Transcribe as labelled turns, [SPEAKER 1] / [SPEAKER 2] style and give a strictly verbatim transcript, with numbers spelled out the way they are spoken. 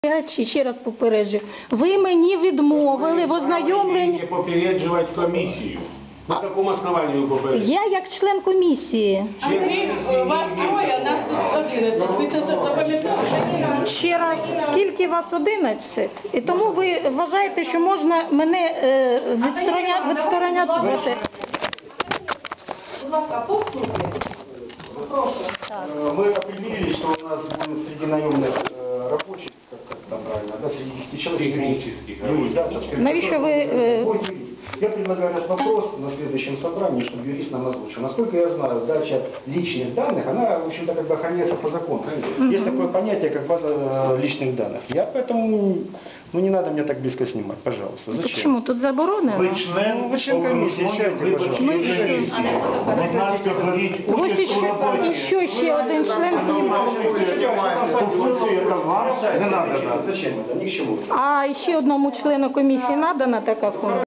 [SPEAKER 1] Чи ще раз попереджу, ви мені відмовили в ознайомленні.
[SPEAKER 2] Не попереджувати комісію. На якому основанні ви попереджуєте?
[SPEAKER 1] Я як член комісії.
[SPEAKER 3] Андрій, вас троє, нас тут одинадцять. Ви це запам'ятали?
[SPEAKER 1] Ще раз, скільки вас одинадцять? І тому ви вважаєте, що можна мене е, відстороня- відстороняти?
[SPEAKER 3] Будь ласка, послухайте. Прошу.
[SPEAKER 4] Мы определили, что у нас будет среди наемных э, рабочих, как, как там правильно, да, среди десяти человек.
[SPEAKER 2] Технических
[SPEAKER 4] юрист, да,
[SPEAKER 2] рабочих.
[SPEAKER 1] Навіщо ви, е,
[SPEAKER 4] Ой, юрист. Я предлагаю этот вопрос на следующем собрании, чтобы юрист нам озвучил. Насколько я знаю, дача личных данных, она, в общем-то, как бы охраняется по закону. Есть такое понятие, как база э, личных данных. Я поэтому, ну не надо меня так близко снимать, пожалуйста. Зачем?
[SPEAKER 1] Чому? Тут заборонено?
[SPEAKER 5] Ви член
[SPEAKER 4] Ви член комісії, сядьте, пожалуйста.
[SPEAKER 5] виборчої комісії. Будь ласка, беріть
[SPEAKER 1] Ось
[SPEAKER 5] участь у
[SPEAKER 1] іще,
[SPEAKER 5] роботі.
[SPEAKER 1] іще ще один член.
[SPEAKER 5] Конституція та вам не надо.
[SPEAKER 4] Зачем это? Ни к чему.
[SPEAKER 1] А ще одному члену комісії надана така форма?